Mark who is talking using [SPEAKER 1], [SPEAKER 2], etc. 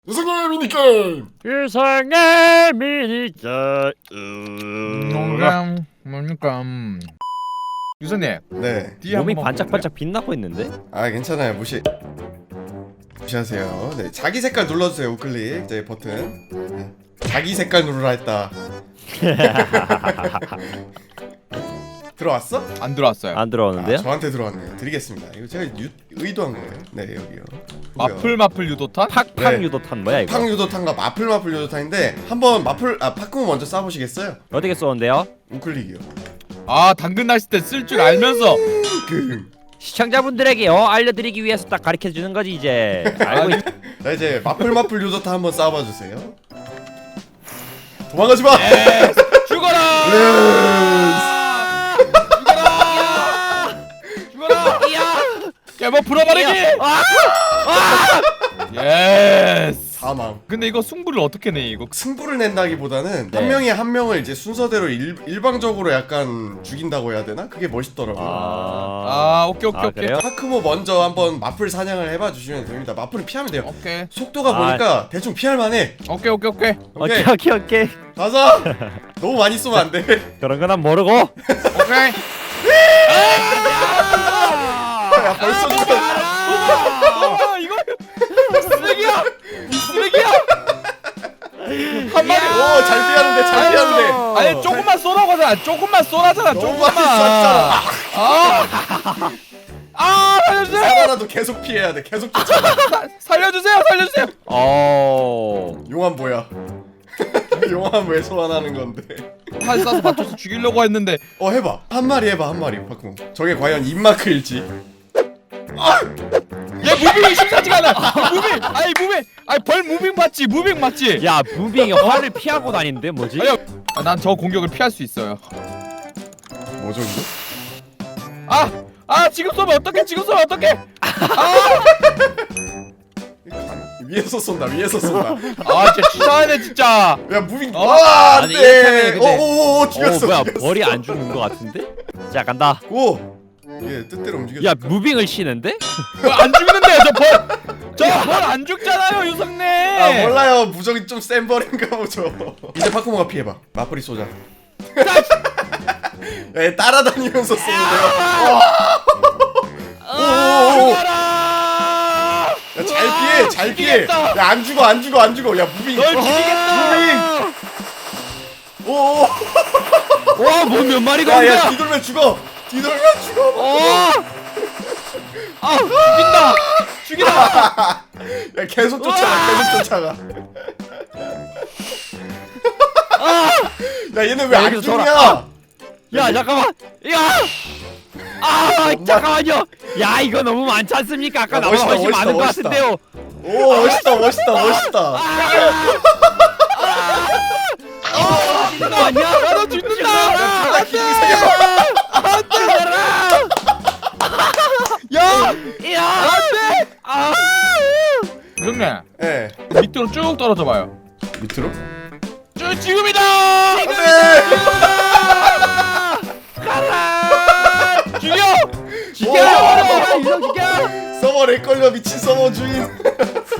[SPEAKER 1] 유성의 미니게임!
[SPEAKER 2] 유성의 미니게임.
[SPEAKER 3] 뭡니까? 유선님,
[SPEAKER 1] 네.
[SPEAKER 3] 뒤에
[SPEAKER 2] 몸이
[SPEAKER 3] 한번
[SPEAKER 2] 반짝반짝 빛나고 있는데?
[SPEAKER 1] 아 괜찮아요. 무시하세요. 네, 자기 색깔 눌러주세요. 우클릭 제 버튼. 네. 자기 색깔 누르라 했다. 들어왔어?
[SPEAKER 3] 안 들어왔어요.
[SPEAKER 2] 안 들어오는데요?
[SPEAKER 1] 저한테 들어왔네요. 드리겠습니다. 이거 제가 의도한 거예요. 네, 여기요.
[SPEAKER 3] 마플 유도탄?
[SPEAKER 2] 팍팍
[SPEAKER 1] 네.
[SPEAKER 2] 유도탄 뭐야 이거?
[SPEAKER 1] 팡 유도탄과 마플 유도탄인데 한번 파쿠모 먼저 쏴보시겠어요?
[SPEAKER 2] 어떻게 쏘는데요?
[SPEAKER 1] 우클릭이요.
[SPEAKER 3] 아, 당근 날씨 때 쓸 줄 알면서.
[SPEAKER 2] 시청자분들에게 알려드리기 위해서 딱 가르쳐주는 거지 이제. 알고 있...
[SPEAKER 1] 자 이제 마플 유도탄 한번 쏴봐주세요. 도망가지 마.
[SPEAKER 3] 죽어라! 죽어라! 깨버 풀어버리기! 예스!
[SPEAKER 1] 사망.
[SPEAKER 3] 근데 이거 승부를 어떻게 내 이거?
[SPEAKER 1] 승부를 낸다기보다는
[SPEAKER 2] 네.
[SPEAKER 1] 한 명이 한 명을 이제 순서대로 일방적으로 약간 죽인다고 해야 되나? 그게 멋있더라고요.
[SPEAKER 3] 오케이.
[SPEAKER 2] 그래요?
[SPEAKER 1] 파크모 먼저 한번 마플 사냥을 해봐 주시면 됩니다. 마플은 피하면 돼요.
[SPEAKER 3] 오케이.
[SPEAKER 1] 속도가 보니까 대충 피할 만해.
[SPEAKER 3] 오케이.
[SPEAKER 1] 오케이.
[SPEAKER 2] 오케이.
[SPEAKER 1] 가자. 너무 많이 쏘면 안 돼.
[SPEAKER 2] 그런 건 난 모르고.
[SPEAKER 3] 오케이.
[SPEAKER 1] 야 벌써 죽었어.
[SPEAKER 3] 이거 쓰레기야! 쓰레기야! 한 마리.
[SPEAKER 1] 오, 잘 피하는데.
[SPEAKER 3] 아니 조금만 쏘라고 하잖아. 조금만 쏘라잖아.
[SPEAKER 1] 너무
[SPEAKER 3] 조금만.
[SPEAKER 1] 많이 쐈잖아.
[SPEAKER 3] 살려주세요.
[SPEAKER 1] 살아나도 계속 피해야 돼. 계속 쫓아.
[SPEAKER 3] 살려주세요.
[SPEAKER 1] 용암 뭐야? 용암 왜 소환하는 건데?
[SPEAKER 3] 활 쏴서 맞춰서 죽이려고 했는데.
[SPEAKER 1] 해봐. 한 마리 해봐. 파크모. 저게 과연 입마크일지.
[SPEAKER 3] 얘 무빙이 심사지가 않아. 벌 무빙 맞지?
[SPEAKER 2] 야 무빙이 활을 피하고 다니는데 뭐지?
[SPEAKER 3] 난 저 공격을 피할 수 있어요.
[SPEAKER 1] 뭐죠 이거?
[SPEAKER 3] 지금 쏘면 어떡해?
[SPEAKER 1] 위에서 쏜다.
[SPEAKER 3] 진짜 치사하네 진짜.
[SPEAKER 1] 야 무빙.
[SPEAKER 2] 아니, 이렇게 하면
[SPEAKER 1] 안돼.
[SPEAKER 2] 근데-
[SPEAKER 1] 오오오 죽였어.
[SPEAKER 2] 뭐야
[SPEAKER 1] 죽였어.
[SPEAKER 2] 벌이 안 죽는 거 같은데? 자 간다.
[SPEAKER 1] 고. 얘 뜻대로 움직여.
[SPEAKER 2] 야 무빙을 치는데?
[SPEAKER 3] 안 죽는데 저 벌 안 죽잖아요 유성님.
[SPEAKER 1] 몰라요. 무적이 좀 센 벌인가 보죠. 이제 파크모가 피해봐. 마플이 쏘자. 야, 얘 따라다니면서 쏘는데요. 야, 잘 피해. 야, 안 죽어. 야, 무빙.
[SPEAKER 3] 널 죽이겠다.
[SPEAKER 1] 오.
[SPEAKER 2] 와뭐 몇 마리가
[SPEAKER 1] 야,
[SPEAKER 2] 온다.
[SPEAKER 1] 야, 뒤돌면 죽어.
[SPEAKER 3] 죽인다.
[SPEAKER 1] 야, 계속 쫓아가. 야, 얘는 왜 안
[SPEAKER 2] 여기서
[SPEAKER 1] 죽냐?
[SPEAKER 2] 야 잠깐만. 잠깐만요. 야 이거 너무 많지 않습니까? 아까
[SPEAKER 1] 야,
[SPEAKER 2] 나보다 훨씬
[SPEAKER 1] 멋있다,
[SPEAKER 2] 많은 것
[SPEAKER 1] 멋있다.
[SPEAKER 2] 같은데요.
[SPEAKER 1] 오, 멋있다.
[SPEAKER 2] 이거 아니야?
[SPEAKER 3] 너 죽는다. 유성님
[SPEAKER 1] 예.
[SPEAKER 3] 밑으로 쭉 떨어져 봐요.
[SPEAKER 1] 밑으로?
[SPEAKER 3] 지금이다. 죽여.
[SPEAKER 1] 서버 렉 걸려 미친 서버 주인.